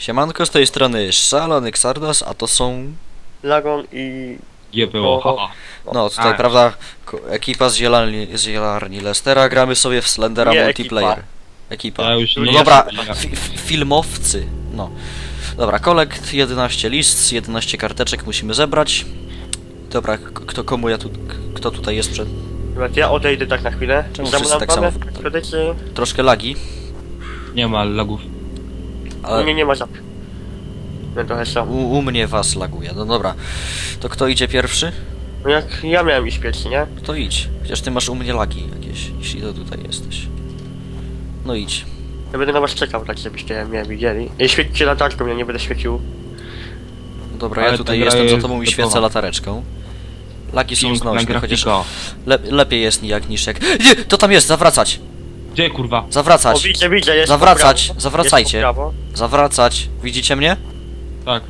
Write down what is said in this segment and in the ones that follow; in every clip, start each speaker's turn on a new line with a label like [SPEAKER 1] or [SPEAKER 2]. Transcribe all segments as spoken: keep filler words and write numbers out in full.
[SPEAKER 1] Siemanko, z tej strony Szalony Xardas, a to są...
[SPEAKER 2] Lagon i...
[SPEAKER 3] G P O, haha.
[SPEAKER 1] No, tutaj,
[SPEAKER 3] A.
[SPEAKER 1] prawda, ko- ekipa z zielarni, z zielarni Lestera, gramy sobie w Slendera
[SPEAKER 2] Nie,
[SPEAKER 1] multiplayer. Ekipa.
[SPEAKER 3] Ja już
[SPEAKER 1] No
[SPEAKER 3] nie
[SPEAKER 1] dobra,
[SPEAKER 3] jestem-
[SPEAKER 1] fi fi filmowcy, no. Dobra, kolekt, jedenaście list, jedenaście karteczek musimy zebrać. Dobra, k- kto, komu ja tu, k- kto tutaj jest przed...
[SPEAKER 2] Chyba ja odejdę tak na chwilę.
[SPEAKER 1] Czemu
[SPEAKER 2] Za
[SPEAKER 1] wszyscy
[SPEAKER 2] mną
[SPEAKER 1] tak
[SPEAKER 2] mamy
[SPEAKER 1] samo?
[SPEAKER 2] w kredycie.
[SPEAKER 1] Troszkę lagi,
[SPEAKER 3] Nie ma lagów.
[SPEAKER 2] U
[SPEAKER 1] ale
[SPEAKER 2] mnie nie ma żab. No trochę są.
[SPEAKER 1] u, u mnie was laguje. No dobra, to kto idzie pierwszy?
[SPEAKER 2] No jak ja miałem iść pierwszy, nie?
[SPEAKER 1] To idź, chociaż ty masz u mnie lagi jakieś, jeśli to tutaj jesteś. No idź.
[SPEAKER 2] Ja będę na was czekał, tak żebyście mnie widzieli. I świećcie latarką, ja nie będę świecił.
[SPEAKER 1] Dobra,
[SPEAKER 3] Ale
[SPEAKER 1] ja
[SPEAKER 3] ta
[SPEAKER 1] tutaj
[SPEAKER 3] gra
[SPEAKER 1] jestem za
[SPEAKER 3] jest
[SPEAKER 1] tobą i
[SPEAKER 3] gotowa.
[SPEAKER 1] świecę latareczką. Laki są
[SPEAKER 3] Piękna
[SPEAKER 1] znośne, chociaż
[SPEAKER 3] grafika.
[SPEAKER 1] le lepiej jest nijak niż jak... Nie, to tam jest, zawracać!
[SPEAKER 3] Gdzie kurwa?
[SPEAKER 2] O,
[SPEAKER 1] Zawracać!
[SPEAKER 2] widzę, widzę, jest
[SPEAKER 1] Zawracać,
[SPEAKER 2] po prawo.
[SPEAKER 1] zawracajcie.
[SPEAKER 2] Jest po prawo.
[SPEAKER 1] Zawracać! Widzicie mnie?
[SPEAKER 3] Tak.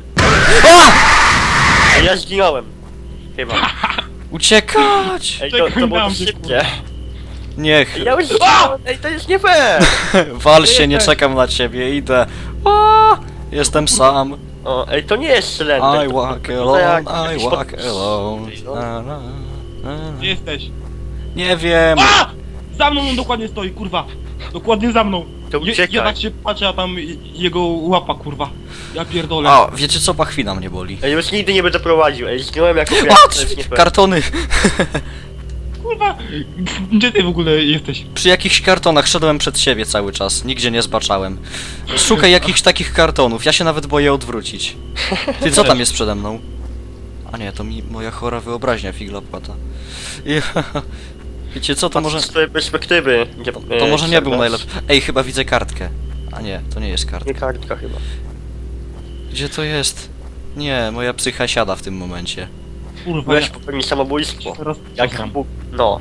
[SPEAKER 2] A ja zginąłem. Chyba.
[SPEAKER 1] Uciekać!
[SPEAKER 2] Ej, to, to było
[SPEAKER 3] Czekam,
[SPEAKER 2] dość
[SPEAKER 3] że
[SPEAKER 2] szybkie.
[SPEAKER 1] Niech!
[SPEAKER 2] Ej, ja już zginąłem. Ej, to jest nie fair!
[SPEAKER 1] Wal się, nie czekam na ciebie, idę! O, jestem sam!
[SPEAKER 2] O, ej, to nie jest Slender.
[SPEAKER 1] I
[SPEAKER 2] to-
[SPEAKER 1] walk
[SPEAKER 2] to- to jak-
[SPEAKER 1] alone, I
[SPEAKER 2] jakiś
[SPEAKER 1] walk
[SPEAKER 2] pod-
[SPEAKER 1] alone.
[SPEAKER 2] No.
[SPEAKER 1] Na, na, na.
[SPEAKER 3] Gdzie jesteś?
[SPEAKER 1] Nie wiem!
[SPEAKER 3] A! Za mną on dokładnie stoi, kurwa. Dokładnie za mną.
[SPEAKER 2] To
[SPEAKER 3] Je,
[SPEAKER 2] uciekaj.
[SPEAKER 3] ja tak się patrzę, a tam jego łapa, kurwa. Ja pierdolę.
[SPEAKER 1] A, wiecie co? Pachwina mnie boli.
[SPEAKER 2] Ej, już nigdy nie będę prowadził. Ej, zginąłem jako pies, to jest nie
[SPEAKER 1] Patrz!
[SPEAKER 2] fair.
[SPEAKER 1] Kartony!
[SPEAKER 3] Kurwa. Gdzie ty w ogóle jesteś?
[SPEAKER 1] Przy jakichś kartonach szedłem przed siebie cały czas, nigdzie nie zbaczałem. Szukaj jakichś takich kartonów, ja się nawet boję odwrócić. Ty, co tam jest przede mną? A nie, to mi moja chora wyobraźnia figla płata. Ja... Wiecie co, to może...
[SPEAKER 2] Z tej perspektywy. Gdzie,
[SPEAKER 1] To,
[SPEAKER 2] e,
[SPEAKER 1] to może nie był
[SPEAKER 2] Xardas.
[SPEAKER 1] najlepszy... Ej, chyba widzę kartkę. A nie, to nie jest kartka.
[SPEAKER 2] Nie kartka chyba.
[SPEAKER 1] Gdzie to jest? Nie, moja psycha siada w tym momencie.
[SPEAKER 3] Kurwa,
[SPEAKER 2] Byłeś
[SPEAKER 3] ja
[SPEAKER 2] popełnić samobójstwo.
[SPEAKER 3] teraz
[SPEAKER 2] Jak
[SPEAKER 3] cofam.
[SPEAKER 2] Bóg. No.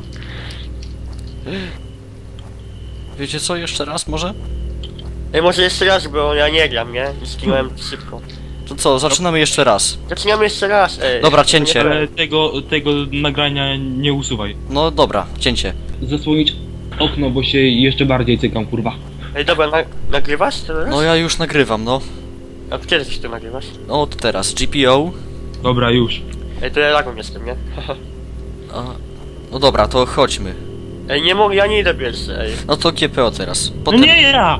[SPEAKER 1] Wiecie co, jeszcze raz może?
[SPEAKER 2] Ej, może jeszcze raz, bo ja nie gram, nie? I zginąłem szybko.
[SPEAKER 1] To co, zaczynamy jeszcze raz.
[SPEAKER 2] Zaczynamy jeszcze raz, ej.
[SPEAKER 1] Dobra,
[SPEAKER 2] To nie
[SPEAKER 1] cięcie.
[SPEAKER 2] fair.
[SPEAKER 3] Ale tego, tego nagrania nie usuwaj.
[SPEAKER 1] No dobra, cięcie.
[SPEAKER 3] Zasłonić okno, bo się jeszcze bardziej cykam, kurwa.
[SPEAKER 2] Ej, dobra, na, nagrywasz teraz?
[SPEAKER 1] No ja już nagrywam, no.
[SPEAKER 2] A kiedy ty to nagrywasz?
[SPEAKER 1] No to teraz, G P O.
[SPEAKER 3] Dobra, już.
[SPEAKER 2] Ej, to ja lagą jestem, nie?
[SPEAKER 1] A, no dobra, to chodźmy.
[SPEAKER 2] Ej, nie mogę, ja nie idę pierwszy, ej.
[SPEAKER 1] No to G P O teraz.
[SPEAKER 3] No
[SPEAKER 1] Potem...
[SPEAKER 3] nie ja!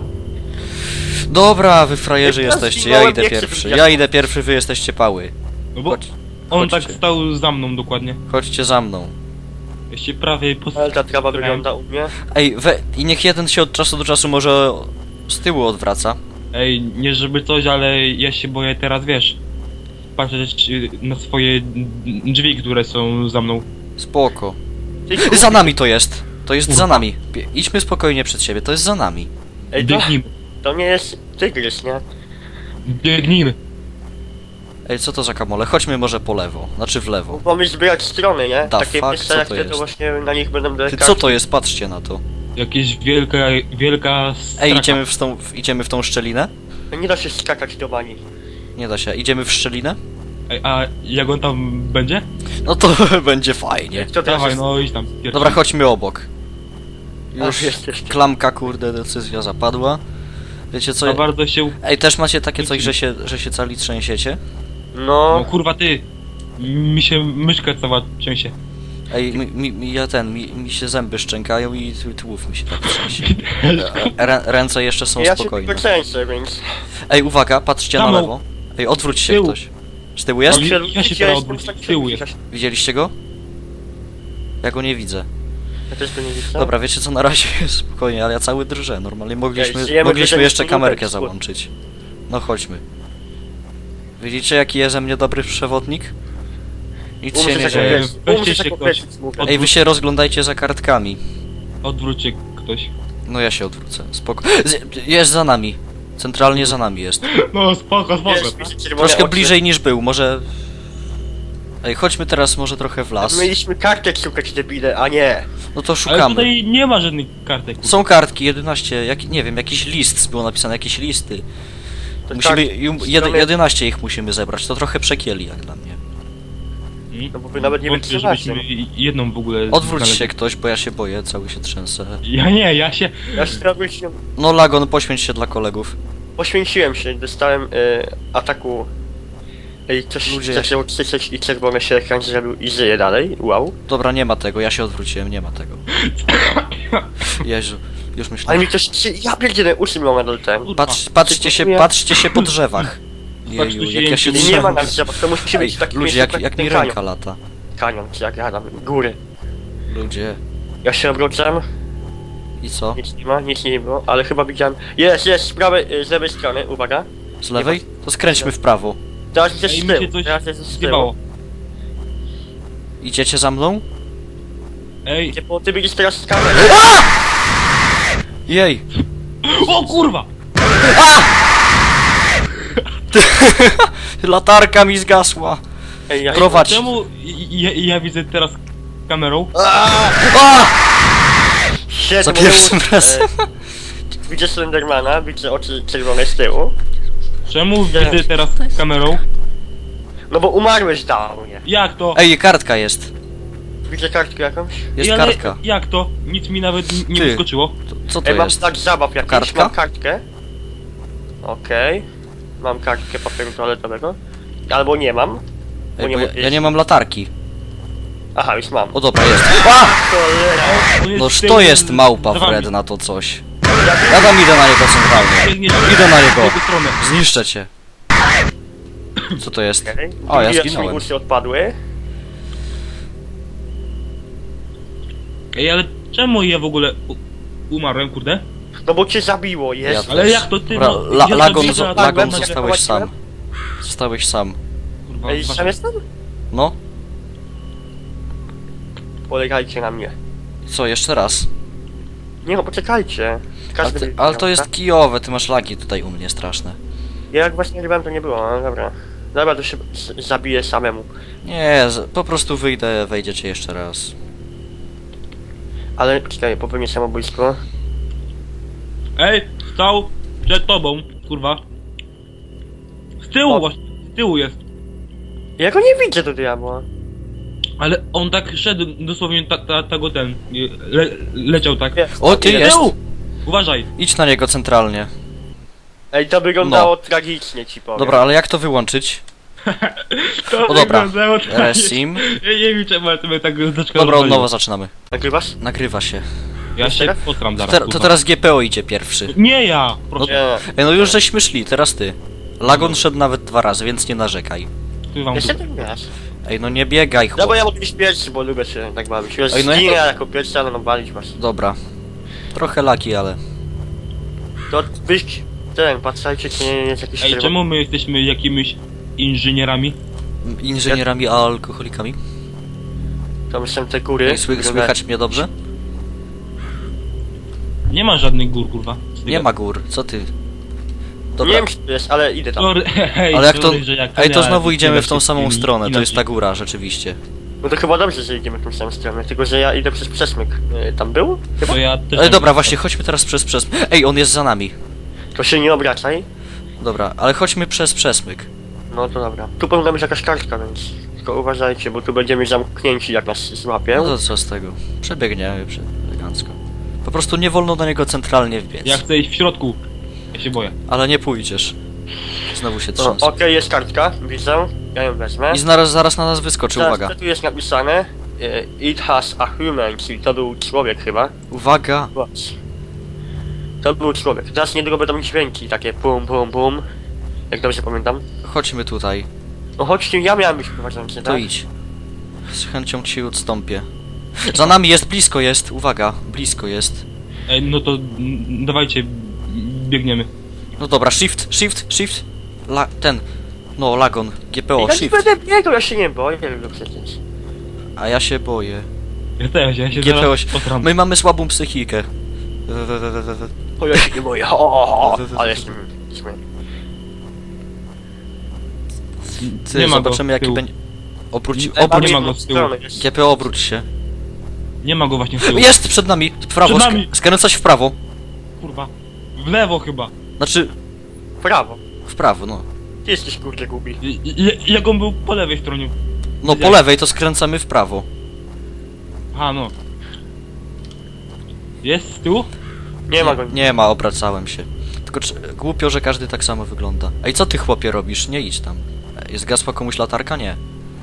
[SPEAKER 1] Dobra, wy frajerzy
[SPEAKER 2] Ja
[SPEAKER 1] jesteście, ja
[SPEAKER 2] zginąłem,
[SPEAKER 1] idę
[SPEAKER 2] nie chcę
[SPEAKER 1] pierwszy.
[SPEAKER 2] być
[SPEAKER 1] Ja
[SPEAKER 2] jak-
[SPEAKER 1] idę pierwszy, wy jesteście pały.
[SPEAKER 3] No bo
[SPEAKER 1] Chodź,
[SPEAKER 3] on
[SPEAKER 1] chodźcie.
[SPEAKER 3] tak stał za mną dokładnie.
[SPEAKER 1] chodźcie za mną.
[SPEAKER 3] Ja się prawie pos...
[SPEAKER 2] Ale ta trawa wygląda u mnie.
[SPEAKER 1] Ej, we... i niech jeden się od czasu do czasu może z tyłu odwraca.
[SPEAKER 3] Ej, nie żeby coś, ale ja się boję teraz, wiesz, patrzeć y, na swoje drzwi, które są za mną.
[SPEAKER 1] Spoko.
[SPEAKER 2] Ty, kur-
[SPEAKER 1] Za nami to jest. To jest za nami. Bie- Idźmy spokojnie przed siebie, to jest za nami.
[SPEAKER 2] Ej, to,
[SPEAKER 3] Biegnijmy,
[SPEAKER 2] to nie jest tygrys, nie?
[SPEAKER 3] biegnijmy.
[SPEAKER 1] Ej, co to za kamole? Chodźmy może po lewo, znaczy w lewo.
[SPEAKER 2] Pomyśl zbierać strony, nie?
[SPEAKER 1] Da
[SPEAKER 2] Takie
[SPEAKER 1] fuck,
[SPEAKER 2] miejsca
[SPEAKER 1] co
[SPEAKER 2] jak
[SPEAKER 1] to
[SPEAKER 2] te, to
[SPEAKER 1] jest?
[SPEAKER 2] właśnie na nich będą
[SPEAKER 1] Ty,
[SPEAKER 2] delikatne.
[SPEAKER 1] co to jest? Patrzcie na to.
[SPEAKER 3] Jakieś wielka, wielka straka.
[SPEAKER 1] Ej, idziemy w tą, w, idziemy w tą szczelinę?
[SPEAKER 2] Nie da się skakać do bani.
[SPEAKER 1] Nie da się. Idziemy w szczelinę?
[SPEAKER 3] Ej, a jak on tam będzie?
[SPEAKER 1] No to będzie fajnie.
[SPEAKER 2] Kto teraz
[SPEAKER 3] Dawaj,
[SPEAKER 2] jest?
[SPEAKER 3] no idź tam. pierwszy.
[SPEAKER 1] Dobra, chodźmy obok.
[SPEAKER 2] A,
[SPEAKER 1] Już
[SPEAKER 2] jest jeszcze.
[SPEAKER 1] klamka, kurde, decyzja zapadła. Wiecie co?
[SPEAKER 3] Za bardzo się...
[SPEAKER 1] Ej, też macie takie coś, że się, że się cali trzęsiecie?
[SPEAKER 3] No
[SPEAKER 2] No,
[SPEAKER 3] kurwa ty! Mi się myszka cała trzęsie.
[SPEAKER 1] Ej, mi, mi, mi, ja ten, mi, mi się zęby szczękają i tu- tułów mi się tak trzęsie. Rę, ręce jeszcze są
[SPEAKER 2] ja się
[SPEAKER 1] spokojne.
[SPEAKER 2] tylko trzęsę, więc...
[SPEAKER 1] Ej, uwaga, patrzcie na
[SPEAKER 3] Za mną.
[SPEAKER 1] lewo. Ej, odwróć się
[SPEAKER 3] Tyłu.
[SPEAKER 1] ktoś. Z tyłu jest?
[SPEAKER 3] No,
[SPEAKER 2] się
[SPEAKER 3] ja się
[SPEAKER 2] lubicie,
[SPEAKER 3] teraz
[SPEAKER 2] jestem
[SPEAKER 3] odwrócę.
[SPEAKER 2] tak
[SPEAKER 3] Tyłu
[SPEAKER 2] szybki,
[SPEAKER 3] jest.
[SPEAKER 1] Widzieliście go? Ja go nie widzę.
[SPEAKER 2] Ja też go nie widzę.
[SPEAKER 1] Dobra, wiecie co, na razie jest spokojnie, ale ja cały drżę. Normalnie mogliśmy,
[SPEAKER 2] Ej, żyjemy
[SPEAKER 1] mogliśmy
[SPEAKER 2] drżeniem
[SPEAKER 1] jeszcze
[SPEAKER 2] minutę,
[SPEAKER 1] kamerkę
[SPEAKER 2] wschód.
[SPEAKER 1] załączyć. No chodźmy. Widzicie jaki jest ze mnie dobry przewodnik? Nic się
[SPEAKER 2] Umrze
[SPEAKER 1] nie
[SPEAKER 2] się
[SPEAKER 1] dzieje.
[SPEAKER 2] powiedzieć,
[SPEAKER 3] Weźcie
[SPEAKER 2] umrze
[SPEAKER 3] się
[SPEAKER 2] się
[SPEAKER 3] ktoś.
[SPEAKER 2] powiedzieć, mówię.
[SPEAKER 1] Ej, wy się rozglądajcie za kartkami.
[SPEAKER 3] Odwróć się ktoś.
[SPEAKER 1] No ja się odwrócę, spoko. Z- Jest za nami. Centralnie za nami jest.
[SPEAKER 3] No spoko, spoko.
[SPEAKER 2] Jest, widzę czerwone
[SPEAKER 1] Troszkę
[SPEAKER 2] oczy.
[SPEAKER 1] bliżej niż był, może... Ej, chodźmy teraz może trochę w las.
[SPEAKER 2] Mieliśmy kartek szukać, debile, a nie.
[SPEAKER 1] No to
[SPEAKER 3] Ale
[SPEAKER 1] szukamy.
[SPEAKER 3] tutaj nie ma żadnych kartek. kurwa.
[SPEAKER 1] Są kartki, jedenaście, jak, nie wiem, jakiś list było napisane, jakieś listy.
[SPEAKER 2] To
[SPEAKER 1] Musimy,
[SPEAKER 2] kartki,
[SPEAKER 1] jum- jedy,
[SPEAKER 2] strony-
[SPEAKER 1] jedenaście ich musimy zebrać, to trochę przekieli jak dla mnie.
[SPEAKER 3] Hmm?
[SPEAKER 2] No bo wy nawet nie
[SPEAKER 3] Wątpię,
[SPEAKER 2] wytrzymacie.
[SPEAKER 3] żebyśmy jedną w ogóle
[SPEAKER 1] Odwróć
[SPEAKER 3] znaleźli.
[SPEAKER 1] się ktoś, bo ja się boję, cały się trzęsę.
[SPEAKER 3] Ja nie, ja się...
[SPEAKER 2] Ja się robię się...
[SPEAKER 1] No Lagon, poświęć się dla kolegów.
[SPEAKER 2] poświęciłem się, dostałem y, ataku. I coś
[SPEAKER 1] Ludzie-
[SPEAKER 2] zaczęło krzyczeć i czerwony się ekran zrobił i żyje dalej. Wow.
[SPEAKER 1] Dobra, nie ma tego, ja się odwróciłem, nie ma tego. Jezu, już
[SPEAKER 2] Ale
[SPEAKER 1] myślałem.
[SPEAKER 2] mi ktoś krzy... Ja pierdzielę, uszy mi nadal ten.
[SPEAKER 1] Patrz, patrzcie się, patrzcie się po drzewach. Jeju, jak ja się
[SPEAKER 2] I nie ma
[SPEAKER 1] trzymam.
[SPEAKER 2] na drzewach, to musi
[SPEAKER 1] Ej,
[SPEAKER 2] być taki
[SPEAKER 1] ludzie, jak, jak mi ręka lata.
[SPEAKER 2] Kanion, czy jak ja tam, góry.
[SPEAKER 1] Ludzie.
[SPEAKER 2] Ja się obrócam,
[SPEAKER 1] I co?
[SPEAKER 2] nic nie ma, nic nie było, ale chyba widziałem... Jest, jest, z prawej, y, z lewej strony, uwaga.
[SPEAKER 1] Z lewej? To skręćmy w prawo.
[SPEAKER 2] Teraz jest
[SPEAKER 3] Ej,
[SPEAKER 2] z
[SPEAKER 3] mi się
[SPEAKER 2] tyłu,
[SPEAKER 3] coś
[SPEAKER 2] teraz jest z tyłu.
[SPEAKER 3] zjebało.
[SPEAKER 1] Idziecie za mną?
[SPEAKER 3] Ej,
[SPEAKER 2] Gdzie, bo ty będziesz teraz z kamerą.
[SPEAKER 1] Jej!
[SPEAKER 3] o kurwa!
[SPEAKER 1] Latarka mi zgasła!
[SPEAKER 2] Ej, ja
[SPEAKER 1] Prowadź!
[SPEAKER 3] Czemu ja, ja widzę teraz kamerą?
[SPEAKER 1] A!
[SPEAKER 2] Siedzę,
[SPEAKER 1] Za
[SPEAKER 2] bo
[SPEAKER 1] pierwszym
[SPEAKER 2] był,
[SPEAKER 1] razem.
[SPEAKER 2] E, widzę Slendermana, widzę oczy czerwone z tyłu.
[SPEAKER 3] Czemu
[SPEAKER 2] Nie.
[SPEAKER 3] widzę teraz kamerą?
[SPEAKER 2] No bo umarłeś dawnie.
[SPEAKER 3] Jak to?
[SPEAKER 1] Ej, kartka jest.
[SPEAKER 2] Widzę kartkę jakąś?
[SPEAKER 1] Jest
[SPEAKER 3] Ej, ale
[SPEAKER 1] kartka.
[SPEAKER 3] Jak to? Nic mi nawet n- nie
[SPEAKER 1] Ty.
[SPEAKER 3] wyskoczyło.
[SPEAKER 1] To, co to
[SPEAKER 2] Ej, mam
[SPEAKER 1] jest?
[SPEAKER 2] znak zabaw jakiś,
[SPEAKER 1] Kartka?
[SPEAKER 2] mam kartkę. Okej. Mam kartkę papieru toaletowego. Albo nie mam. Bo
[SPEAKER 1] Ej,
[SPEAKER 2] nie
[SPEAKER 1] bo ja,
[SPEAKER 2] mogę
[SPEAKER 1] ja nie mam latarki.
[SPEAKER 2] Aha, już mam.
[SPEAKER 1] O dobra, jest.
[SPEAKER 2] Cholera.
[SPEAKER 3] On jest
[SPEAKER 1] Noż
[SPEAKER 3] z tyłu
[SPEAKER 1] to jest małpa
[SPEAKER 3] za wami.
[SPEAKER 1] wredna, to coś. Ja tam idę na niego centralnie.
[SPEAKER 3] Biegniesz
[SPEAKER 1] Idę na
[SPEAKER 3] w
[SPEAKER 1] niego.
[SPEAKER 3] drugą stronę.
[SPEAKER 1] Zniszczę cię. Co to jest?
[SPEAKER 2] Okej.
[SPEAKER 1] O, ja
[SPEAKER 2] Widać, mi
[SPEAKER 1] zginąłem.
[SPEAKER 2] uszy odpadły.
[SPEAKER 3] Ej, ale czemu ja w ogóle u- umarłem, kurde?
[SPEAKER 2] No bo cię zabiło, jest.
[SPEAKER 1] Ja
[SPEAKER 3] Ale
[SPEAKER 1] też.
[SPEAKER 3] jak to ty,
[SPEAKER 1] Dobra,
[SPEAKER 3] no,
[SPEAKER 1] la,
[SPEAKER 3] ja
[SPEAKER 1] Lagon,
[SPEAKER 3] zabiję,
[SPEAKER 1] zo-
[SPEAKER 3] a
[SPEAKER 1] Lagon
[SPEAKER 3] tam
[SPEAKER 1] zostałeś sam.
[SPEAKER 2] nagle
[SPEAKER 1] Zostałeś sam.
[SPEAKER 3] Kurwa,
[SPEAKER 2] Ej,
[SPEAKER 3] wasza-
[SPEAKER 2] sam jestem?
[SPEAKER 1] No,
[SPEAKER 2] Polegajcie na mnie.
[SPEAKER 1] co, jeszcze raz?
[SPEAKER 2] Nie no, poczekajcie.
[SPEAKER 1] Ale,
[SPEAKER 2] Każdy
[SPEAKER 1] ty,
[SPEAKER 2] by-
[SPEAKER 1] ale to jest kijowe, ty masz lagi tutaj u mnie straszne.
[SPEAKER 2] Ja jak właśnie grałem, to nie było, no dobra. Dobra, to się z- zabiję samemu.
[SPEAKER 1] Nie, z- po prostu wyjdę, wejdziecie jeszcze raz.
[SPEAKER 2] Ale czekaj, popełnię samobójstwo.
[SPEAKER 3] Ej, stał przed tobą, kurwa. Z tyłu
[SPEAKER 2] O.
[SPEAKER 3] właśnie, z tyłu jest.
[SPEAKER 2] Ja go nie widzę do diabła.
[SPEAKER 3] Ale on tak szedł, dosłownie ta, ta, tego ten, le, leciał tak.
[SPEAKER 2] Jest.
[SPEAKER 1] O, ty
[SPEAKER 2] Ile-
[SPEAKER 1] jest!
[SPEAKER 3] Tyłu! Uważaj.
[SPEAKER 1] Idź na niego centralnie.
[SPEAKER 2] Ej, to wyglądało tragicznie, ci powiem.
[SPEAKER 1] Dobra, ale jak to wyłączyć?
[SPEAKER 3] To
[SPEAKER 1] O, dobra.
[SPEAKER 3] wyglądało tak.
[SPEAKER 1] Resim.
[SPEAKER 3] Ja nie wiem czemu, ale sobie tak zaczekał.
[SPEAKER 1] Dobra, od nowa zaczynamy.
[SPEAKER 2] Nagrywasz?
[SPEAKER 1] Nagrywa się.
[SPEAKER 3] Ja się
[SPEAKER 2] Teraz?
[SPEAKER 3] postram zaraz.
[SPEAKER 1] Te, to
[SPEAKER 3] kurwa.
[SPEAKER 1] teraz G P O idzie pierwszy.
[SPEAKER 3] Nie ja! Proszę,
[SPEAKER 2] Nie.
[SPEAKER 1] Ej, no już żeśmy szli, teraz ty. Lagon szedł nawet dwa razy, więc nie narzekaj.
[SPEAKER 3] ty wam
[SPEAKER 2] Jeszcze
[SPEAKER 3] dupę.
[SPEAKER 2] ty wiesz.
[SPEAKER 1] Ej, no nie biegaj,
[SPEAKER 2] No
[SPEAKER 1] chłop.
[SPEAKER 2] bo ja mogę być pierwszy, bo lubię się tak bawić. Już
[SPEAKER 1] Ej, no ja-
[SPEAKER 2] zginę jako pierwszy, ale no walić was.
[SPEAKER 1] Dobra. Trochę laki, ale...
[SPEAKER 2] To wyjść ten, patrzajcie, czy nie jest jakiś
[SPEAKER 3] Ej,
[SPEAKER 2] czerwony.
[SPEAKER 3] czemu my jesteśmy jakimiś inżynierami?
[SPEAKER 1] Inżynierami, a alkoholikami?
[SPEAKER 2] Tam są te góry.
[SPEAKER 1] Ej, sły,
[SPEAKER 2] które-
[SPEAKER 1] słychać mnie dobrze?
[SPEAKER 3] Nie ma żadnych gór, kurwa.
[SPEAKER 1] Nie ma gór, co ty?
[SPEAKER 2] Nie
[SPEAKER 1] Dobra,
[SPEAKER 2] wiem, czy to jest, ale idę tam.
[SPEAKER 3] Sorry, hej,
[SPEAKER 1] ale jak to...
[SPEAKER 3] sorry, że jak
[SPEAKER 1] Ej, to
[SPEAKER 3] ja
[SPEAKER 1] znowu idziemy w
[SPEAKER 3] inaczej-
[SPEAKER 1] tą samą stronę, to
[SPEAKER 3] inaczej.
[SPEAKER 1] jest ta góra, rzeczywiście.
[SPEAKER 2] No to chyba dobrze, że idziemy w tą samą stronę, tylko że ja idę przez przesmyk. E, Tam był? Chyba?
[SPEAKER 3] To ja też
[SPEAKER 1] Ej,
[SPEAKER 3] tak-
[SPEAKER 1] dobra, właśnie, chodźmy teraz przez przez... Ej, on jest za nami.
[SPEAKER 2] To się nie obracaj.
[SPEAKER 1] Dobra, ale chodźmy przez przesmyk.
[SPEAKER 2] No to dobra. Tu powinna być jakaś kartka, więc tylko uważajcie, bo tu będziemy zamknięci, jak nas złapią.
[SPEAKER 1] No to co z tego? Przebiegniemy prze- elegancko. Po prostu nie wolno do niego centralnie wbiec.
[SPEAKER 3] Ja chcę iść w środku. Ja się boję.
[SPEAKER 1] Ale nie pójdziesz. Znowu się
[SPEAKER 2] No,
[SPEAKER 1] trząsł.
[SPEAKER 2] Okej, jest kartka, widzę. Ja ją wezmę.
[SPEAKER 1] I zaraz, zaraz na nas wyskoczy,
[SPEAKER 2] Teraz,
[SPEAKER 1] uwaga.
[SPEAKER 2] co tu jest napisane? E, It has a human, czyli to był człowiek chyba.
[SPEAKER 1] Uwaga!
[SPEAKER 2] Właśnie. To był człowiek. Teraz niedługo będą dźwięki, takie pum, pum, pum. Jak dobrze pamiętam.
[SPEAKER 1] Chodźmy tutaj.
[SPEAKER 2] No chodźcie, ja miałem być prowadzący,
[SPEAKER 1] To
[SPEAKER 2] tak?
[SPEAKER 1] idź. Z chęcią ci odstąpię. Za nami jest, blisko jest, uwaga, blisko jest.
[SPEAKER 3] Ej, no to mm, dawajcie, biegniemy.
[SPEAKER 1] No dobra, shift, shift, shift. La, ten. No, Lagon, G P O,
[SPEAKER 2] Ja nie
[SPEAKER 1] shift.
[SPEAKER 2] będę biegał, ja się nie boję, no przecież.
[SPEAKER 1] A ja się boję.
[SPEAKER 3] Ja też, ja się
[SPEAKER 1] G P O,
[SPEAKER 3] zaraz postram.
[SPEAKER 1] my mamy słabą psychikę. We, we, we, we, we.
[SPEAKER 2] O, ja się nie boję, o, o, o, ale jestem... jestem-
[SPEAKER 1] Ty,
[SPEAKER 3] Nie ma go
[SPEAKER 1] zobaczymy
[SPEAKER 3] z
[SPEAKER 1] jaki
[SPEAKER 3] tyłu.
[SPEAKER 1] będzie... Obróć,
[SPEAKER 3] Ej,
[SPEAKER 1] obróć,
[SPEAKER 3] nie ma go z tyłu.
[SPEAKER 2] jest-
[SPEAKER 1] G P O, obróć się.
[SPEAKER 3] Nie ma go właśnie w tyłu.
[SPEAKER 1] Jest przed nami, w prawo,
[SPEAKER 3] Przed
[SPEAKER 1] sk-
[SPEAKER 3] nami.
[SPEAKER 1] skręcać w prawo.
[SPEAKER 3] Kurwa. W lewo chyba.
[SPEAKER 1] Znaczy,
[SPEAKER 2] Prawo.
[SPEAKER 1] w prawo, no.
[SPEAKER 2] Ty jesteś kurde głupi.
[SPEAKER 3] I- i- Jak on był po lewej stronie.
[SPEAKER 1] No po
[SPEAKER 3] Jak?
[SPEAKER 1] lewej to skręcamy w prawo.
[SPEAKER 3] Aha, no. Jest z tyłu?
[SPEAKER 2] Nie ma go.
[SPEAKER 1] Nie ma, obracałem się. Tylko czy, głupio, że każdy tak samo wygląda. Ej, co ty chłopie robisz? Nie idź tam. Ej, zgasła komuś latarka? Nie.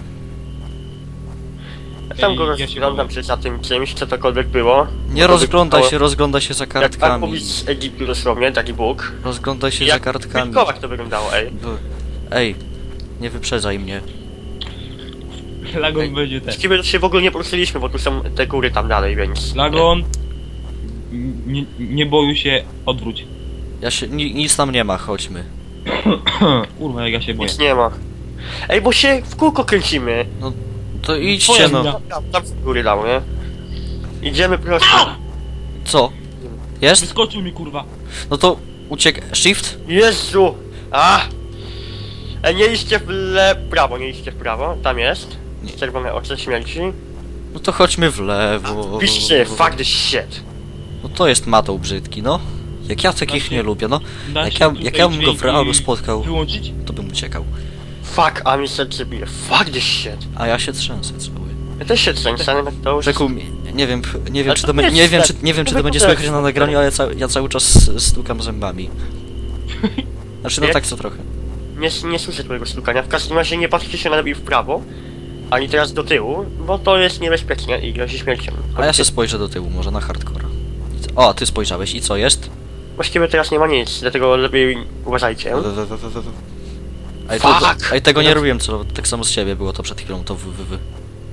[SPEAKER 2] Ja tam go
[SPEAKER 3] Ej, ja się
[SPEAKER 2] rozglądam
[SPEAKER 3] boję.
[SPEAKER 2] się za tym czymś, co tokolwiek było.
[SPEAKER 1] Nie
[SPEAKER 2] Bo to
[SPEAKER 1] rozglądaj
[SPEAKER 2] wyglądało
[SPEAKER 1] się, rozglądaj się za
[SPEAKER 2] Jak
[SPEAKER 1] kartkami.
[SPEAKER 2] Akubis z Egiptu dosłownie, taki Bóg.
[SPEAKER 1] Rozglądaj się za
[SPEAKER 2] Jak
[SPEAKER 1] kartkami.
[SPEAKER 2] w wilkołach to wyglądało, ej.
[SPEAKER 1] B- Ej, nie wyprzedzaj mnie.
[SPEAKER 3] Lagon
[SPEAKER 2] Ej,
[SPEAKER 3] będzie ten.
[SPEAKER 2] Z kim się w ogóle nie poruszyliśmy, bo tu są te góry tam dalej, więc...
[SPEAKER 3] Lagon. Nie, nie boju się, odwróć.
[SPEAKER 1] Ja się, ni, nic tam nie ma, chodźmy.
[SPEAKER 3] Kurwa, jak ja się boję.
[SPEAKER 2] Nic nie ma. Ej, bo się w kółko kręcimy.
[SPEAKER 1] To idźcie
[SPEAKER 3] Twoja
[SPEAKER 1] no.
[SPEAKER 3] wina.
[SPEAKER 2] Tam, tam w góry dał, nie? Idziemy prosto.
[SPEAKER 1] Co? Jest?
[SPEAKER 3] Wyskoczył mi, kurwa.
[SPEAKER 1] No to uciek... Shift?
[SPEAKER 2] Jezu! A! Ej, nie iście w le... prawo, nie iście w prawo. Tam jest.
[SPEAKER 1] Nie.
[SPEAKER 2] Czerwone oczy śmierci.
[SPEAKER 1] No to chodźmy w lewo.
[SPEAKER 2] Piszcie, fuck this shit.
[SPEAKER 1] No to jest matą brzydki, no. Jak ja takich
[SPEAKER 3] Da się-
[SPEAKER 1] nie lubię, no.
[SPEAKER 3] Da
[SPEAKER 1] Jak
[SPEAKER 3] się
[SPEAKER 1] ja,
[SPEAKER 3] tutaj
[SPEAKER 1] jak ja bym go w
[SPEAKER 3] dźwięki
[SPEAKER 1] realu spotkał,
[SPEAKER 3] Wyłączyć?
[SPEAKER 1] to bym uciekał.
[SPEAKER 2] Fuck, a mi serce bije. Fuck this shit.
[SPEAKER 1] A ja się trzęsę cały.
[SPEAKER 2] Ja też się trzęsę, ale to już...
[SPEAKER 1] Rzekł mi, nie wiem, nie wiem
[SPEAKER 2] Ale
[SPEAKER 1] czy
[SPEAKER 2] to
[SPEAKER 1] to, be-
[SPEAKER 2] jest
[SPEAKER 1] nie wiem, czy,
[SPEAKER 2] tak.
[SPEAKER 1] nie wiem, czy
[SPEAKER 2] To
[SPEAKER 1] to będzie
[SPEAKER 2] wygląda
[SPEAKER 1] słychać
[SPEAKER 2] jak-
[SPEAKER 1] na nagraniu, ale ja, ca ja cały czas stukam zębami. Znaczy, no
[SPEAKER 2] Nie?
[SPEAKER 1] tak co trochę.
[SPEAKER 2] Nie, nie słyszę twojego stukania. W każdym razie nie patrzcie się na lepiej w prawo, ani teraz do tyłu, bo to jest niebezpieczne i grozi śmiercią.
[SPEAKER 1] A ja się spojrzę do tyłu, może na hardcora. O, ty spojrzałeś i co jest?
[SPEAKER 2] Właściwie teraz nie ma nic, dlatego lepiej uważajcie.
[SPEAKER 1] W- w- w- w- w- Ej, to,
[SPEAKER 2] Fuck!
[SPEAKER 1] ej, tego nie robiłem, co tak samo z siebie było to przed chwilą, to w, w, w.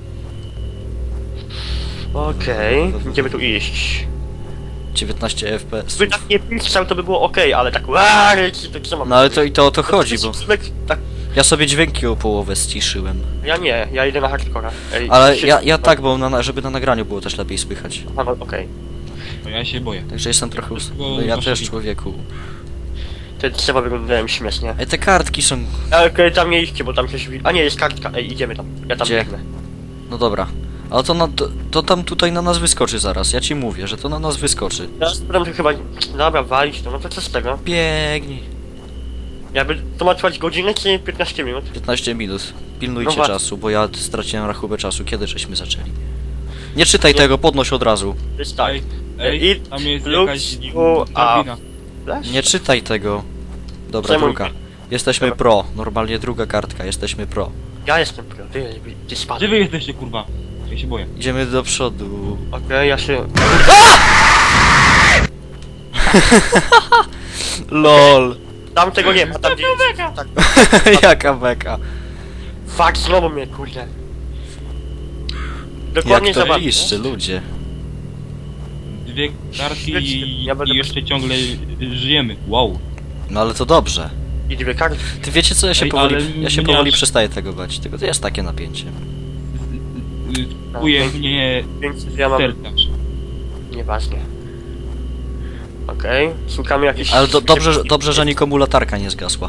[SPEAKER 2] Okej, będziemy tu iść.
[SPEAKER 1] dziewiętnaście F P S.
[SPEAKER 2] Gdyby tak nie pisał, to by było okej, ale tak łaryci, to co mam
[SPEAKER 1] No ale to i to o to chodzi, bo
[SPEAKER 2] Tak,
[SPEAKER 1] ja sobie dźwięki o połowę ściszyłem.
[SPEAKER 2] ja nie, ja idę na hardcora. Ej,
[SPEAKER 1] Ale
[SPEAKER 2] się-
[SPEAKER 1] ja, ja tak, bo na, żeby na nagraniu było też lepiej słychać.
[SPEAKER 2] A, no, okej.
[SPEAKER 3] To ja się boję.
[SPEAKER 1] Także jestem trochę... Us...
[SPEAKER 3] Bo
[SPEAKER 1] No ja
[SPEAKER 3] właśnie
[SPEAKER 1] też,
[SPEAKER 3] wi-
[SPEAKER 1] człowieku.
[SPEAKER 2] Te drzewa wyglądają śmiesznie.
[SPEAKER 1] Ej, te kartki są...
[SPEAKER 2] Okej, okay, tam nie idźcie, bo tam coś... wi- A nie, jest kartka, ej, idziemy tam. Ja tam
[SPEAKER 1] Gdzie?
[SPEAKER 2] biegnę.
[SPEAKER 1] No dobra. Ale to, na, to, to tam tutaj na nas wyskoczy zaraz, ja ci mówię, że to na nas wyskoczy.
[SPEAKER 2] Teraz potem to chyba... Dobra, walić to, no to co z tego?
[SPEAKER 1] Biegnij.
[SPEAKER 2] Jakby to ma trwać godzinę czy piętnaście minut?
[SPEAKER 1] piętnaście minut. Pilnujcie
[SPEAKER 2] No właśnie.
[SPEAKER 1] czasu, bo ja straciłem rachubę czasu. Kiedy żeśmy zaczęli? Nie czytaj tego, podnoś od razu.
[SPEAKER 2] Jest tak.
[SPEAKER 3] Ej, ej,
[SPEAKER 2] It
[SPEAKER 3] tam jest
[SPEAKER 2] looks
[SPEAKER 3] jakaś
[SPEAKER 2] you
[SPEAKER 3] drabina.
[SPEAKER 2] Flash?
[SPEAKER 1] Nie czytaj tego. Dobra,
[SPEAKER 2] Czemu
[SPEAKER 1] druga.
[SPEAKER 2] nie?
[SPEAKER 1] Jesteśmy
[SPEAKER 2] Dobra.
[SPEAKER 1] pro. Normalnie druga kartka, jesteśmy pro.
[SPEAKER 2] Ja jestem pro, ty, ty
[SPEAKER 3] Gdzie
[SPEAKER 2] spadł.
[SPEAKER 3] wy jesteście, kurwa? Ja się boję.
[SPEAKER 1] Idziemy do przodu.
[SPEAKER 2] Okej, ja się...
[SPEAKER 1] LOL.
[SPEAKER 2] Tam tego nie ma, tam gdzie... Tak.
[SPEAKER 1] Jaka beka.
[SPEAKER 2] Fuck, znowu mnie, kurde. Dokładnie
[SPEAKER 1] Jak to
[SPEAKER 2] zobaczcie.
[SPEAKER 1] liszczy, ludzie.
[SPEAKER 3] Dwie kartki
[SPEAKER 2] Świetnie,
[SPEAKER 3] i,
[SPEAKER 2] ja będę
[SPEAKER 3] i jeszcze ciągle żyjemy. Wow.
[SPEAKER 1] No ale to dobrze.
[SPEAKER 2] I dwie kartki.
[SPEAKER 1] Ty wiecie co, ja się
[SPEAKER 3] Ej,
[SPEAKER 1] powoli,
[SPEAKER 3] ale
[SPEAKER 1] ja się
[SPEAKER 3] mnie
[SPEAKER 1] powoli
[SPEAKER 3] aż-
[SPEAKER 1] przestaję tego bać. Tylko to jest takie napięcie.
[SPEAKER 3] Kuje mnie
[SPEAKER 2] Więc ja mam...
[SPEAKER 3] sterczacz.
[SPEAKER 2] Nieważne. Okej, szukamy jakichś...
[SPEAKER 1] Ale do, dobrze, że- dobrze, że nikomu latarka nie zgasła.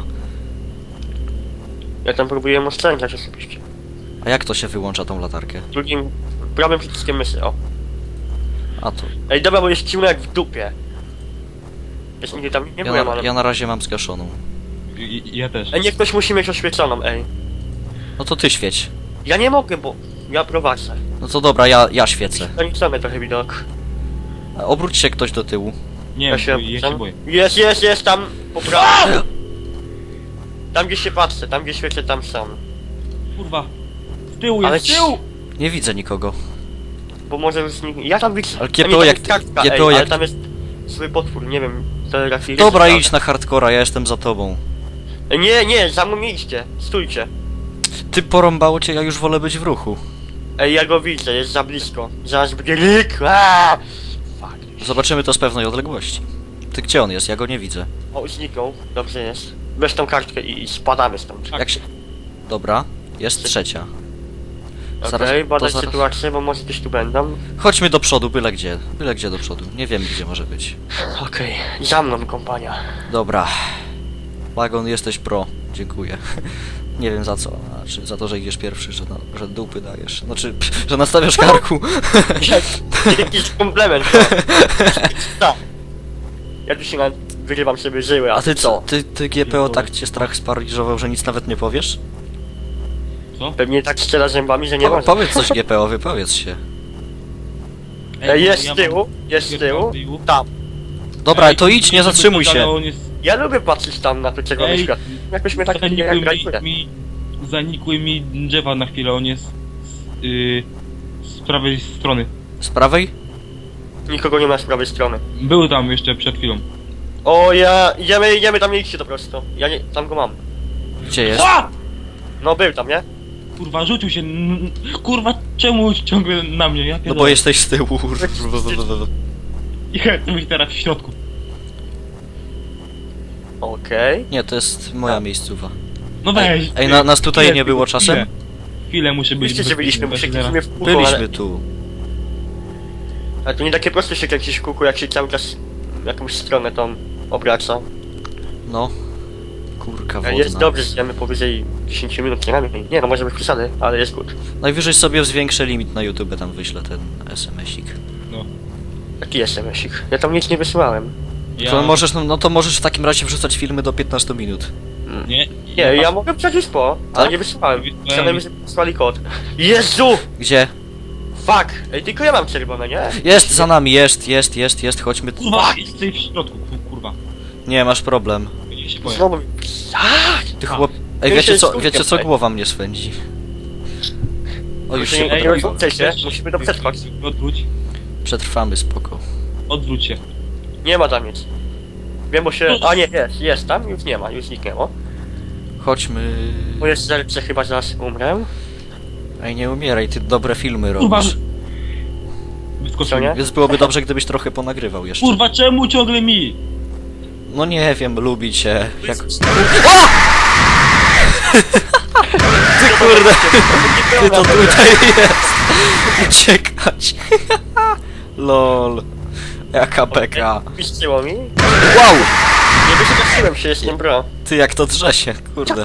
[SPEAKER 2] Ja tam próbuję oszczędzać osobiście.
[SPEAKER 1] A jak to się wyłącza tą latarkę?
[SPEAKER 2] Drugim... Prawym przyciskiem myszy, o.
[SPEAKER 1] A to.
[SPEAKER 2] Ej, dobra, bo jest ciemno jak w dupie. Jest nigdy tam nie
[SPEAKER 1] Ja
[SPEAKER 2] byłem,
[SPEAKER 1] na,
[SPEAKER 2] ale...
[SPEAKER 1] ja na razie mam zgaszoną.
[SPEAKER 3] I- Ja też.
[SPEAKER 2] Ej, niech ktoś musi mieć oświeconą, ej.
[SPEAKER 1] No to ty świeć.
[SPEAKER 2] Ja nie mogę, bo... Ja prowadzę.
[SPEAKER 1] No to dobra, ja, ja świecę.
[SPEAKER 2] Ograniczamy trochę widok.
[SPEAKER 1] A obróć się ktoś do tyłu.
[SPEAKER 3] Nie,
[SPEAKER 2] Ja się...
[SPEAKER 3] ja się boję.
[SPEAKER 2] Jest, jest, jest, tam... Po prawej. Tam gdzie się patrzę, tam gdzie świecę, tam są.
[SPEAKER 3] Kurwa. Z tyłu
[SPEAKER 2] Ale
[SPEAKER 3] jest, z tyłu!
[SPEAKER 1] Nie widzę nikogo.
[SPEAKER 2] Bo może już nikt... Ja tam widzę...
[SPEAKER 1] Ale
[SPEAKER 2] A
[SPEAKER 1] G P O
[SPEAKER 2] nie, tam
[SPEAKER 1] jak-
[SPEAKER 2] jest kartka,
[SPEAKER 1] G P O
[SPEAKER 2] ej,
[SPEAKER 1] jak-
[SPEAKER 2] ale tam jest... Zły potwór, nie wiem... To raczej...
[SPEAKER 1] Dobra,
[SPEAKER 2] jest-
[SPEAKER 1] idź na hardcora, ja jestem za tobą.
[SPEAKER 2] Ej, nie, nie, za mną nie idźcie. Stójcie.
[SPEAKER 1] Ty porąbało cię, ja już wolę być w ruchu.
[SPEAKER 2] Ej, ja go widzę, jest za blisko. Zaraz będzie lik. Aaaa! Fuck.
[SPEAKER 1] Zobaczymy to z pewnej odległości. Ty gdzie on jest? Ja go nie widzę.
[SPEAKER 2] O, zniknął. Dobrze jest. Weź tą kartkę i, i spadamy stąd.
[SPEAKER 3] Tak.
[SPEAKER 1] Jak się... Dobra, jest trzecia.
[SPEAKER 2] Okej,
[SPEAKER 1] Zaraz-
[SPEAKER 2] badać
[SPEAKER 1] to zaraz-
[SPEAKER 2] sytuację, bo może gdzieś tu będą.
[SPEAKER 1] Chodźmy do przodu, byle gdzie. Byle gdzie do przodu. Nie wiem gdzie może być.
[SPEAKER 2] Okej, za mną kompania.
[SPEAKER 1] Dobra. Wagon, jesteś pro. Dziękuję. Nie wiem za co. Znaczy za to, że idziesz pierwszy, że, na, że dupy dajesz. Znaczy, pff, że nastawiasz karku.
[SPEAKER 2] Jakiś komplement, to. Tak. Ja tu się na... wyrywam sobie żyły,
[SPEAKER 1] A ty co?
[SPEAKER 2] co?
[SPEAKER 1] Ty, ty G P O tak cię strach sparaliżował, że nic nawet nie powiesz?
[SPEAKER 3] Co?
[SPEAKER 2] Pewnie tak strzela zębami, że nie
[SPEAKER 1] Po,
[SPEAKER 2] może.
[SPEAKER 1] powiedz coś G P O, wypowiedz się.
[SPEAKER 2] Ej, jest
[SPEAKER 3] ja
[SPEAKER 2] z tyłu,
[SPEAKER 3] mam-
[SPEAKER 2] jest z tyłu.
[SPEAKER 3] tyłu.
[SPEAKER 2] Tam.
[SPEAKER 1] Dobra,
[SPEAKER 3] Ej,
[SPEAKER 1] to idź, nie
[SPEAKER 3] żeby
[SPEAKER 1] zatrzymuj
[SPEAKER 3] coś, ale
[SPEAKER 1] się.
[SPEAKER 3] on jest
[SPEAKER 2] Ja lubię patrzeć tam na to czerwone
[SPEAKER 3] Ej,
[SPEAKER 2] światło. Jakoś mnie tak nie
[SPEAKER 3] Zanikły
[SPEAKER 2] jak
[SPEAKER 3] mi, mi, zanikły mi drzewa na chwilę, on jest z, yy, z prawej strony.
[SPEAKER 1] Z prawej?
[SPEAKER 2] Nikogo nie ma z prawej strony.
[SPEAKER 3] Był tam jeszcze przed chwilą.
[SPEAKER 2] O ja, idziemy, idziemy tam, nie idźcie to prosto. Ja nie, tam go mam.
[SPEAKER 1] Gdzie jest?
[SPEAKER 3] A!
[SPEAKER 2] No był tam, nie?
[SPEAKER 3] Kurwa, rzucił się. n- Kurwa, czemu ciągle na mnie? Ja
[SPEAKER 1] No bo
[SPEAKER 3] pierdolę.
[SPEAKER 1] jesteś z tyłu.
[SPEAKER 3] Ja chcę być teraz w środku.
[SPEAKER 2] Okej.
[SPEAKER 1] Nie, to jest moja miejscowa.
[SPEAKER 3] No weź.
[SPEAKER 1] Ej, na, nas tutaj
[SPEAKER 3] Chwilę,
[SPEAKER 1] nie było
[SPEAKER 3] chwilę.
[SPEAKER 1] czasem?
[SPEAKER 3] Chwilę muszę być.
[SPEAKER 2] Wiecie, że byliśmy, bo się
[SPEAKER 3] bezpieczny,
[SPEAKER 2] kręcimy w kółko,
[SPEAKER 1] Byliśmy
[SPEAKER 2] ale,
[SPEAKER 1] tu.
[SPEAKER 2] ale to nie takie proste się kręcić w kółku, jak się cały czas w jakąś stronę tą obraca.
[SPEAKER 1] No. Kurka
[SPEAKER 2] Jest
[SPEAKER 1] wodna.
[SPEAKER 2] dobrze, zjemy powyżej dziesięć minut, nie najmniej. Nie, no może być przesady, ale jest good.
[SPEAKER 1] Najwyżej sobie zwiększę limit na YouTube, tam wyślę ten es em esik.
[SPEAKER 3] No.
[SPEAKER 2] Taki jest emesik. Ja tam nic nie wysyłałem.
[SPEAKER 3] Ja...
[SPEAKER 1] To możesz, no, no to możesz w takim razie wrzucać filmy do piętnastu minut.
[SPEAKER 3] Nie,
[SPEAKER 2] Nie, ja mogę przecież po, ale
[SPEAKER 1] Tak?
[SPEAKER 2] nie wysyłałem.
[SPEAKER 3] Wysłałem.
[SPEAKER 2] Przynajmniej, że wysłali kod. Jezu!
[SPEAKER 1] Gdzie?
[SPEAKER 2] Fuck! Ej, tylko ja mam czerwone, nie?
[SPEAKER 1] Jest za nami, jest, jest, jest, jest, chodźmy.
[SPEAKER 3] Kurwa, jesteś w środku, ku- kurwa.
[SPEAKER 1] Nie, masz problem.
[SPEAKER 3] Ja się boję.
[SPEAKER 2] Znowu mi... Aaaa!
[SPEAKER 1] Ty
[SPEAKER 3] A.
[SPEAKER 1] chłop... Ej,
[SPEAKER 2] Ja
[SPEAKER 1] wiecie
[SPEAKER 2] się
[SPEAKER 1] co,
[SPEAKER 2] skupiam,
[SPEAKER 1] wiecie co,
[SPEAKER 2] ej.
[SPEAKER 1] głowa mnie swędzi. O, już
[SPEAKER 2] Ej,
[SPEAKER 1] się
[SPEAKER 2] ej,
[SPEAKER 1] poprawiło.
[SPEAKER 2] ej. Chcecie? Musimy to przetrwać.
[SPEAKER 3] Odwróć.
[SPEAKER 1] Przetrwamy, spoko.
[SPEAKER 3] Odwróć się.
[SPEAKER 2] Nie ma tam nic. Wiem, bo się... A nie, jest, jest tam, już nie ma, już zniknęło.
[SPEAKER 1] Chodźmy...
[SPEAKER 2] Bo jest zerce, chyba zaraz umrę.
[SPEAKER 1] Ej, nie umieraj, ty dobre filmy
[SPEAKER 3] Kurwa.
[SPEAKER 1] robisz.
[SPEAKER 3] Wyskoczył.
[SPEAKER 2] Co nie?
[SPEAKER 1] Więc byłoby dobrze, gdybyś trochę ponagrywał jeszcze.
[SPEAKER 3] Kurwa, czemu ciągle mi?
[SPEAKER 1] No nie wiem, lubi cię. Jak... Ty kurde, ty to tutaj jest. Uciekać. Lol. Jaka beka.
[SPEAKER 2] Piszczyło mi.
[SPEAKER 1] Wow!
[SPEAKER 2] Nie wystraszyłem się, jestem bro.
[SPEAKER 1] Ty jak to drze się, kurde.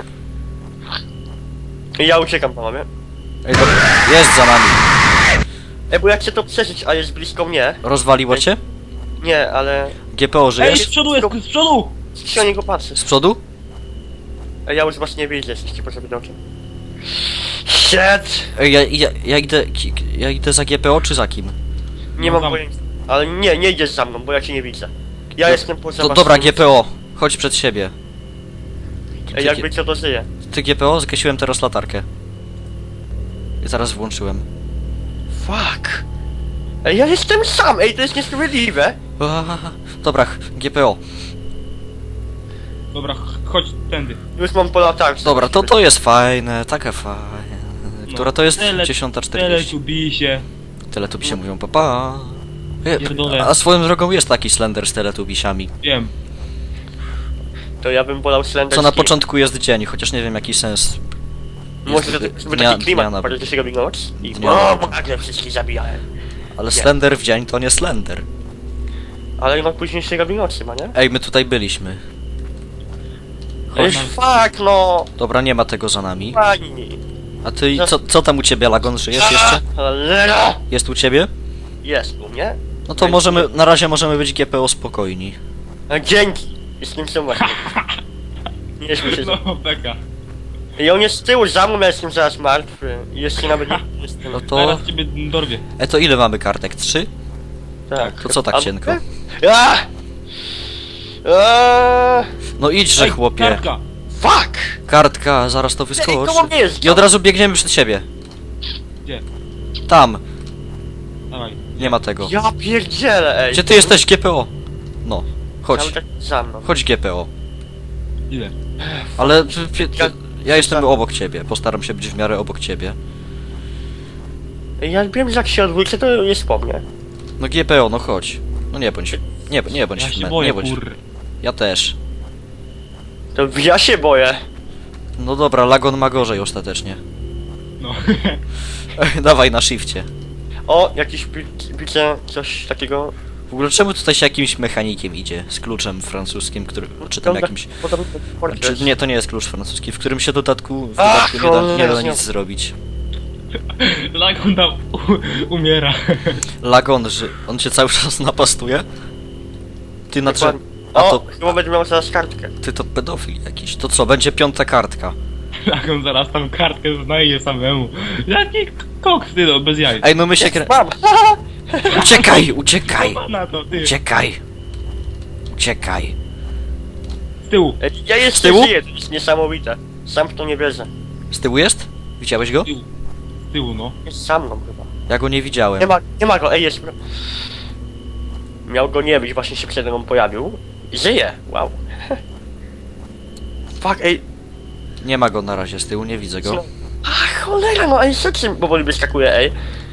[SPEAKER 2] I ja uciekam, panowie.
[SPEAKER 1] Ej, dobra, jest za nami.
[SPEAKER 2] Ej, bo jak chcę to przeżyć, a jest blisko mnie...
[SPEAKER 1] Rozwaliło cię?
[SPEAKER 2] Nie, ale...
[SPEAKER 1] G P O,
[SPEAKER 3] Ej,
[SPEAKER 1] żyjesz?
[SPEAKER 3] z przodu jest, z przodu!
[SPEAKER 2] się na niego patrzę.
[SPEAKER 1] Z przodu?
[SPEAKER 2] Ej, ja już was nie widzę, jesteście poza widokiem. Shit!
[SPEAKER 1] Ej, ja, ja, ja idę, ki- ja idę za G P O czy za kim?
[SPEAKER 2] Nie
[SPEAKER 3] No
[SPEAKER 2] mam
[SPEAKER 3] tam.
[SPEAKER 2] pojęcia. Ale nie, nie idziesz za mną, bo ja cię nie widzę. Ja
[SPEAKER 1] Do-
[SPEAKER 2] jestem poza
[SPEAKER 1] To,
[SPEAKER 2] was.
[SPEAKER 1] dobra, G P O, chodź przed siebie.
[SPEAKER 2] Ej, jakby co to żyje.
[SPEAKER 1] Ty G P O, zgasiłem teraz latarkę. I zaraz włączyłem.
[SPEAKER 2] Fuck! Ej, ja jestem sam! Ej, to jest niesprawiedliwe!
[SPEAKER 1] Aaa, dobra, G P O.
[SPEAKER 3] Dobra, ch- chodź tędy.
[SPEAKER 2] Już mam po latarce.
[SPEAKER 1] Dobra, to to jest fajne, takie fajne. Która to jest?
[SPEAKER 3] Tele-
[SPEAKER 1] dziesiąta
[SPEAKER 3] Tyle
[SPEAKER 1] czterdzieści.
[SPEAKER 3] tu bij się.
[SPEAKER 1] Teletubbisie mówią papa. E,
[SPEAKER 3] Pierdolę.
[SPEAKER 1] A swoją drogą jest taki Slender z Teletubisiami.
[SPEAKER 3] Wiem.
[SPEAKER 2] To ja bym wolał Slender
[SPEAKER 1] Co na
[SPEAKER 2] Skin.
[SPEAKER 1] początku jest dzień, chociaż nie wiem jaki sens.
[SPEAKER 2] Może
[SPEAKER 1] jest
[SPEAKER 2] to żeby
[SPEAKER 1] dnia-
[SPEAKER 2] taki klimat,
[SPEAKER 1] dnia na-
[SPEAKER 2] bardziej się robi noc i...
[SPEAKER 1] Dnia
[SPEAKER 2] O,
[SPEAKER 1] na-
[SPEAKER 2] nagle wszystkich zabijałem.
[SPEAKER 1] Ale
[SPEAKER 2] Nie.
[SPEAKER 1] Slender w dzień to nie Slender.
[SPEAKER 2] Ale no później się robi noc chyba, nie?
[SPEAKER 1] Ej, my tutaj byliśmy.
[SPEAKER 2] Ej,
[SPEAKER 3] Chodź.
[SPEAKER 2] fuck no!
[SPEAKER 1] Dobra, nie ma tego za nami.
[SPEAKER 2] Pani!
[SPEAKER 1] A ty, co, co tam u ciebie, Lagon? Żyjesz jeszcze?
[SPEAKER 2] Cholera!
[SPEAKER 1] Jest u ciebie?
[SPEAKER 2] Jest u mnie?
[SPEAKER 1] No to możemy, na razie możemy być G P O spokojni.
[SPEAKER 2] A, dzięki! Jestem sam właśnie. Nie śmiej się.
[SPEAKER 3] No, beka.
[SPEAKER 2] I on jest z tyłu za mną, ja jestem zaraz martwy. I jeszcze nawet nie jestem...
[SPEAKER 1] No to...
[SPEAKER 3] Teraz ciebie dorwie.
[SPEAKER 1] E, to ile mamy kartek? Trzy?
[SPEAKER 2] Tak.
[SPEAKER 1] To co tak
[SPEAKER 2] A-
[SPEAKER 1] cienko?
[SPEAKER 2] A! A!
[SPEAKER 1] No idźże,
[SPEAKER 3] Ej,
[SPEAKER 1] chłopie.
[SPEAKER 3] kartka.
[SPEAKER 2] Fuck!
[SPEAKER 1] Kartka, zaraz to
[SPEAKER 2] Ej,
[SPEAKER 1] wyskoczy.
[SPEAKER 2] koło mnie jest!
[SPEAKER 1] I od razu biegniemy przed siebie.
[SPEAKER 3] Gdzie?
[SPEAKER 1] Tam.
[SPEAKER 3] Dawaj.
[SPEAKER 1] Nie ma tego.
[SPEAKER 2] Ja pierdzielę, ej!
[SPEAKER 1] Gdzie ty jesteś, G P O? No. Chodź.
[SPEAKER 2] Cały czas za mną.
[SPEAKER 1] Chodź, G P O.
[SPEAKER 3] Ile?
[SPEAKER 1] Ale... p- p-
[SPEAKER 2] Ja-
[SPEAKER 1] Ja jestem obok ciebie. Postaram się być w miarę obok ciebie.
[SPEAKER 2] Ej, ja wiem, że jak się odwrócę, to jest po mnie.
[SPEAKER 1] No G P O, no chodź. No nie bądź. Nie, nie bądź
[SPEAKER 3] Ja
[SPEAKER 1] w
[SPEAKER 3] się
[SPEAKER 1] me-
[SPEAKER 3] boję,
[SPEAKER 1] nie bądź.
[SPEAKER 3] kur...
[SPEAKER 1] Ja też.
[SPEAKER 2] To ja się boję.
[SPEAKER 1] No dobra, Lagon ma gorzej ostatecznie.
[SPEAKER 3] No.
[SPEAKER 1] Dawaj na shifcie.
[SPEAKER 2] O, jakiś pi- widzę coś takiego...
[SPEAKER 1] W ogóle czemu tutaj się jakimś mechanikiem idzie? Z kluczem francuskim, który... Czy tam jakimś...
[SPEAKER 2] Podobny portret.
[SPEAKER 1] Czy nie, to nie jest klucz francuski, w którym się w dodatku, w
[SPEAKER 2] Ach,
[SPEAKER 1] dodatku nie, da, nie da
[SPEAKER 2] cholera.
[SPEAKER 1] nic zrobić.
[SPEAKER 3] Lagun tam u- umiera.
[SPEAKER 1] Lagon, że on cię cały czas napastuje? Ty na drze...
[SPEAKER 2] Dokładnie.
[SPEAKER 1] A
[SPEAKER 2] O,
[SPEAKER 1] to...
[SPEAKER 2] chyba będę miał zaraz kartkę.
[SPEAKER 1] Ty to pedofil jakiś. To co, będzie piąta kartka.
[SPEAKER 3] Lagun zaraz tam kartkę znajdzie samemu. Jaki koks, ty no, bez jaj.
[SPEAKER 1] Ej, no my się krę...
[SPEAKER 2] Mam!
[SPEAKER 1] Uciekaj, uciekaj!
[SPEAKER 3] Na to, ty.
[SPEAKER 1] Uciekaj! Uciekaj!
[SPEAKER 3] Z tyłu.
[SPEAKER 2] Ej, ja jeszcze
[SPEAKER 1] Z tyłu?
[SPEAKER 2] żyję, to jest niesamowite. Sam w to nie wierzę.
[SPEAKER 1] Z tyłu jest? Widziałeś go?
[SPEAKER 3] Z tyłu. Z tyłu, no.
[SPEAKER 2] Jest za mną chyba.
[SPEAKER 1] Ja go nie widziałem.
[SPEAKER 2] Nie ma, nie ma go, ej jest. Miał go nie być, właśnie się przede mną pojawił. I żyje, wow. Fuck, ej.
[SPEAKER 1] Nie ma go na razie z tyłu, nie widzę
[SPEAKER 2] Co?
[SPEAKER 1] go.
[SPEAKER 2] A cholera, no ej, co czym powoli wyskakuje, ej.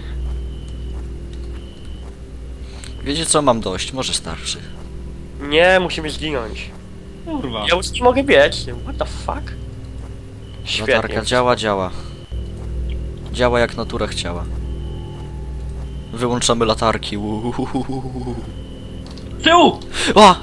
[SPEAKER 1] Wiecie co, mam dość, może starszy.
[SPEAKER 2] Nie, musimy zginąć.
[SPEAKER 3] Kurwa.
[SPEAKER 2] Ja już nie mogę biec. What the fuck? Świetnie.
[SPEAKER 1] Latarka działa, działa. Działa jak natura chciała. Wyłączamy latarki. Uuuuhuhuhu.
[SPEAKER 3] Z tyłu!
[SPEAKER 1] O!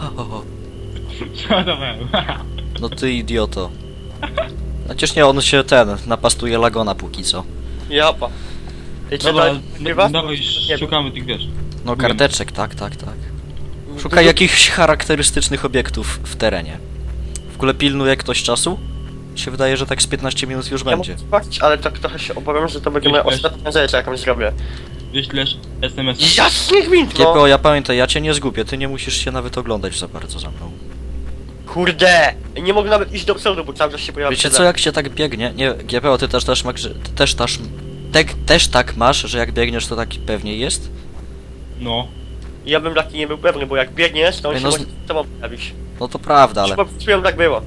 [SPEAKER 3] Żartowałem.
[SPEAKER 1] No ty idioto. Przecież nie, on się ten, napastuje Lagona póki co.
[SPEAKER 2] Japa. Ej, co
[SPEAKER 3] Dobra,
[SPEAKER 2] dalej nagrywa?
[SPEAKER 3] no, dawaj,
[SPEAKER 2] Nie.
[SPEAKER 3] szukamy tych, wiesz.
[SPEAKER 1] No
[SPEAKER 3] Wiem.
[SPEAKER 1] karteczek, tak, tak, tak. Szukaj jakichś charakterystycznych obiektów w terenie. W ogóle pilnuje ktoś czasu? Mi się wydaje, że tak z piętnaście minut już
[SPEAKER 2] Ja
[SPEAKER 1] będzie.
[SPEAKER 2] mogę zobaczyć, ale tak trochę się obawiam, że to będzie moja
[SPEAKER 3] Wiesz,
[SPEAKER 2] ostatnia rzecz, jaką zrobię.
[SPEAKER 3] Wyślesz es em es.
[SPEAKER 2] Jasny gwint,
[SPEAKER 1] G P O,
[SPEAKER 2] no!
[SPEAKER 1] ja pamiętaj, ja cię nie zgubię, ty nie musisz się nawet oglądać za bardzo za mną.
[SPEAKER 2] Kurde! Nie mogę nawet iść do przodu, bo cały czas się pojawia.
[SPEAKER 1] Wiecie co, jak się tak biegnie? Nie, G P O, ty też, też, masz, że- ty też, też, te, też tak masz, że jak biegniesz to tak pewniej jest?
[SPEAKER 3] No.
[SPEAKER 2] Ja bym taki nie był pewny, bo jak biegniesz, to on
[SPEAKER 1] Ej,
[SPEAKER 2] się
[SPEAKER 1] no z-
[SPEAKER 2] może z tobą pojawić.
[SPEAKER 1] No to prawda, ale...
[SPEAKER 2] Czułem, tak było.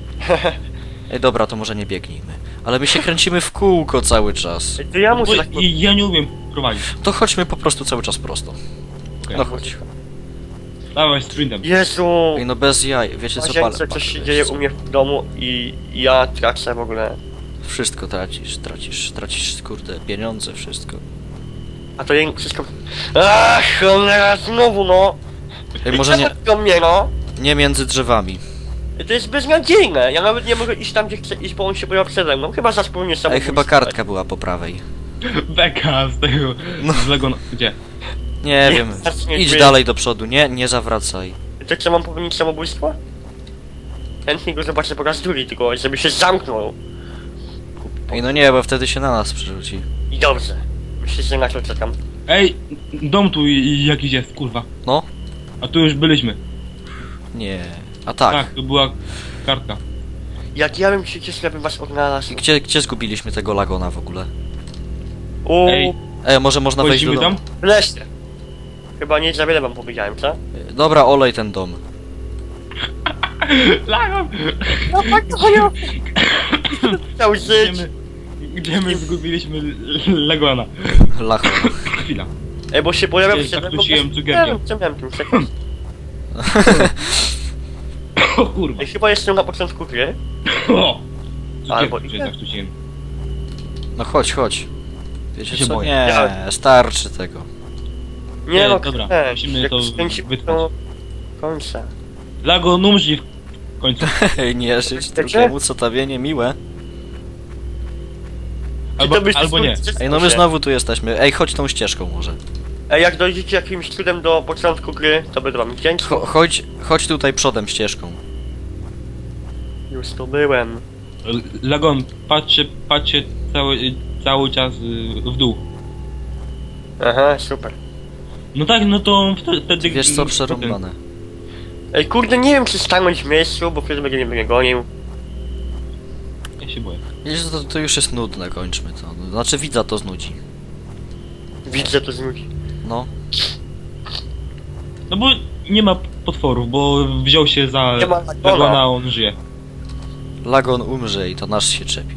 [SPEAKER 1] Ej, dobra, to może nie biegnijmy. Ale my się kręcimy w kółko cały czas.
[SPEAKER 2] Ej, to ja muszę
[SPEAKER 3] Bo
[SPEAKER 2] tak...
[SPEAKER 3] i- ja nie umiem prowadzić.
[SPEAKER 1] To chodźmy po prostu cały czas prosto.
[SPEAKER 3] Okej.
[SPEAKER 1] No chodź.
[SPEAKER 3] Dawaj, sprintem.
[SPEAKER 2] Jezu!
[SPEAKER 1] Ej, no bez jaj, wiecie co,
[SPEAKER 2] Łazience,
[SPEAKER 1] palę.
[SPEAKER 2] coś się dzieje u mnie w domu i ja tracę w ogóle.
[SPEAKER 1] Wszystko tracisz, tracisz, tracisz, kurde, pieniądze, wszystko.
[SPEAKER 2] A to jej wszystko... Ach, cholera, znowu no!
[SPEAKER 1] Ej, może nie,
[SPEAKER 2] do mnie, no!
[SPEAKER 1] nie między drzewami.
[SPEAKER 2] To jest beznadziejne, ja nawet nie mogę iść tam, gdzie chcę iść, bo on się pojawia przede mną. Chyba za wspólnie
[SPEAKER 1] Ej,
[SPEAKER 2] samobójstwo.
[SPEAKER 1] chyba kartka była po prawej.
[SPEAKER 3] Beka z tego.
[SPEAKER 1] No.
[SPEAKER 3] Z Lego. Gdzie?
[SPEAKER 1] Nie,
[SPEAKER 2] Nie,
[SPEAKER 1] wiem,
[SPEAKER 2] teraz nie
[SPEAKER 1] idź
[SPEAKER 2] czuję.
[SPEAKER 1] dalej do przodu, nie, nie zawracaj.
[SPEAKER 2] To co, mam popełnić samobójstwo? Chętnie go zobaczę po raz drugi, tylko żeby się zamknął.
[SPEAKER 1] Ej, no nie, bo wtedy się na nas przerzuci.
[SPEAKER 2] I dobrze. Myślę, że na to czekam.
[SPEAKER 3] Ej, dom tu i- jakiś jest, kurwa.
[SPEAKER 1] No?
[SPEAKER 3] A tu już byliśmy.
[SPEAKER 1] Nie. A tak.
[SPEAKER 3] Tak, to była kartka.
[SPEAKER 2] Jak ja bym się cieszył, jakbym was odnalazł.
[SPEAKER 1] I gdzie, gdzie zgubiliśmy tego Lagona w ogóle?
[SPEAKER 2] Uuu,
[SPEAKER 3] Ej.
[SPEAKER 1] Ej, może można wejść do
[SPEAKER 3] Wchodzimy
[SPEAKER 1] domu?
[SPEAKER 3] tam?
[SPEAKER 2] w lesie. Chyba nie za wiele wam powiedziałem, co?
[SPEAKER 1] Dobra, olej ten dom.
[SPEAKER 3] Lagon!
[SPEAKER 2] No tak, to ja... Chciał żyć.
[SPEAKER 3] Gdzie my, gdzie my zgubiliśmy Legona?
[SPEAKER 1] Lacho.
[SPEAKER 3] Chwila.
[SPEAKER 2] Ej, bo się pojawiał
[SPEAKER 3] Ej,
[SPEAKER 2] przede mną...
[SPEAKER 3] zakłóciłem
[SPEAKER 2] Nie
[SPEAKER 3] cukierkiem.
[SPEAKER 2] wiem, co miałem tym sekund.
[SPEAKER 3] O kurwa.
[SPEAKER 2] Ej, chyba jestem na początku gry.
[SPEAKER 3] O!
[SPEAKER 2] Albo
[SPEAKER 3] Cukierki
[SPEAKER 2] nie.
[SPEAKER 3] zakłóciłem.
[SPEAKER 1] No chodź, chodź. Wiecie
[SPEAKER 3] Ja się
[SPEAKER 1] co?
[SPEAKER 3] boję.
[SPEAKER 1] Nie,
[SPEAKER 2] Ja-
[SPEAKER 1] starczy tego.
[SPEAKER 2] Nie
[SPEAKER 3] Nie,
[SPEAKER 2] no,
[SPEAKER 3] dobra,
[SPEAKER 2] nie,
[SPEAKER 3] musimy
[SPEAKER 2] jak
[SPEAKER 3] to
[SPEAKER 2] skręcimy
[SPEAKER 3] wytrwać.
[SPEAKER 2] do końca.
[SPEAKER 3] Lagon umrzyj w końcu.
[SPEAKER 1] Ej, nie żyć
[SPEAKER 2] Wiecie?
[SPEAKER 1] drugiemu, co tobie niemiłe.
[SPEAKER 3] Albo,
[SPEAKER 2] Czy to byś
[SPEAKER 3] albo nie.
[SPEAKER 1] Ej, no my znowu tu jesteśmy. Ej, chodź tą ścieżką może.
[SPEAKER 2] Ej, jak dojdziecie jakimś cudem do początku gry, to będę wam wdzięczny.
[SPEAKER 1] Cho chodź, chodź tutaj przodem ścieżką.
[SPEAKER 2] Już tu byłem.
[SPEAKER 3] Lagon, patrzcie, patrzcie cały, cały czas y, w dół.
[SPEAKER 2] Aha, super.
[SPEAKER 3] No tak, no to wtedy... wtedy
[SPEAKER 1] Wiesz co, przerąbane.
[SPEAKER 2] Ej, kurde, nie wiem czy stanąć w miejscu, bo wtedy będzie mnie gonił.
[SPEAKER 3] Ja się boję.
[SPEAKER 1] Wiesz, to, to już jest nudne, kończmy to. Znaczy widza to znudzi.
[SPEAKER 2] Widzę to z ludzi.
[SPEAKER 1] No.
[SPEAKER 3] No bo nie ma potworów, bo wziął się za
[SPEAKER 2] Nie ma Lagona.
[SPEAKER 3] Lagona, a on żyje.
[SPEAKER 1] Lagon umrze i to nasz się czepi.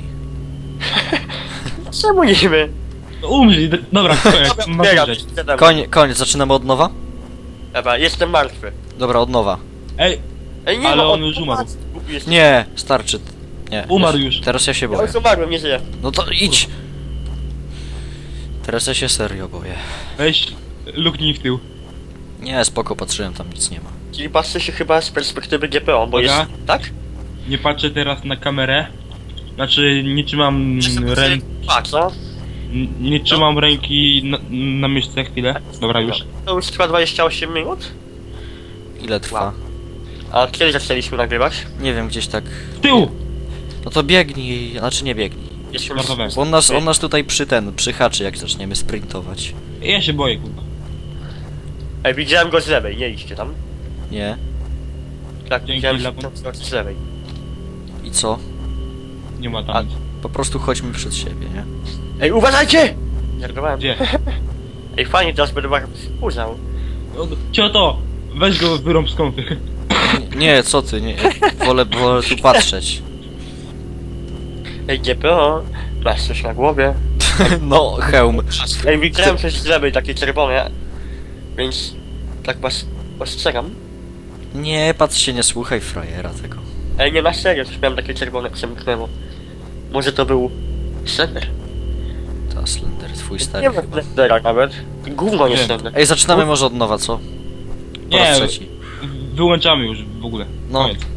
[SPEAKER 2] Czemu niby?
[SPEAKER 3] No umrzyj, d- dobra, koniec, ma
[SPEAKER 2] Biegam,
[SPEAKER 3] umrzeć.
[SPEAKER 2] siadam.
[SPEAKER 1] Koń, koniec, zaczynamy od nowa?
[SPEAKER 2] Dobra, jestem martwy.
[SPEAKER 1] Dobra, od nowa.
[SPEAKER 3] Ej,
[SPEAKER 2] Ej, nie
[SPEAKER 3] Ale
[SPEAKER 2] no,
[SPEAKER 3] on już umarł.
[SPEAKER 2] Głupi jest.
[SPEAKER 1] Nie, starczy. Nie.
[SPEAKER 3] Umarł
[SPEAKER 1] jest-
[SPEAKER 3] już.
[SPEAKER 1] Teraz ja się
[SPEAKER 2] Ja
[SPEAKER 1] boję.
[SPEAKER 2] już umarłem, nie żyję.
[SPEAKER 1] No to idź! Teraz ja się serio boję.
[SPEAKER 3] weź, luknij w tył.
[SPEAKER 1] Nie, spoko, patrzyłem, tam nic nie ma.
[SPEAKER 2] Czyli patrzę się chyba z perspektywy G P O, bo
[SPEAKER 3] Dobra.
[SPEAKER 2] jest... Tak?
[SPEAKER 3] Nie patrzę teraz na kamerę. Znaczy, nie trzymam ręki,
[SPEAKER 2] A, co?
[SPEAKER 3] nie trzymam ręki na, na myszce chwilę. Dobra, już.
[SPEAKER 2] To już trwa dwadzieścia osiem minut?
[SPEAKER 1] Ile trwa?
[SPEAKER 2] Wow. A kiedy zaczęliśmy nagrywać?
[SPEAKER 1] Nie wiem, gdzieś tak...
[SPEAKER 3] W tył!
[SPEAKER 1] No to biegnij, znaczy nie biegnij.
[SPEAKER 2] Jestem...
[SPEAKER 3] Żartowałem.
[SPEAKER 1] Bo on nas, on nas tutaj przy ten, przyhaczy jak zaczniemy sprintować.
[SPEAKER 3] Ja się boję, kurwa.
[SPEAKER 2] Ej, widziałem go z lewej, nie idźcie tam.
[SPEAKER 1] Nie?
[SPEAKER 2] Tak,
[SPEAKER 3] Dzięki,
[SPEAKER 2] widziałem
[SPEAKER 3] Lewon.
[SPEAKER 2] to z lewej.
[SPEAKER 1] I co?
[SPEAKER 3] Nie ma
[SPEAKER 2] A-
[SPEAKER 3] tam nic.
[SPEAKER 1] Po prostu chodźmy przed siebie, nie?
[SPEAKER 2] Ej, uważajcie! Żartowałem.
[SPEAKER 3] Gdzie?
[SPEAKER 2] Ej, fajnie, teraz będę was uznał.
[SPEAKER 3] O, Cioto! Weź go wyrąb z kąpy.
[SPEAKER 1] Nie, nie, co ty, nie. Wolę, wolę tu patrzeć.
[SPEAKER 2] Ej, G P O, masz coś na głowie.
[SPEAKER 1] No, hełm.
[SPEAKER 2] Ej, widziałem coś z lewej, takie czerwone. Więc tak was ostrzegam.
[SPEAKER 1] Nie, patrz się, nie słuchaj frajera tego.
[SPEAKER 2] Ej, nie na serio, coś miałem takie czerwone, przemknęło. Może to był Slender?
[SPEAKER 1] Ta Slender, twój
[SPEAKER 2] Nie
[SPEAKER 1] stary
[SPEAKER 2] ma
[SPEAKER 1] chyba.
[SPEAKER 2] Slendera nawet. Gówno nie
[SPEAKER 3] Nie.
[SPEAKER 2] Slender.
[SPEAKER 1] Ej, zaczynamy może od nowa, co? Po raz
[SPEAKER 3] Nie,
[SPEAKER 1] trzeci.
[SPEAKER 3] wyłączamy już w ogóle.
[SPEAKER 1] No.
[SPEAKER 3] Koniec.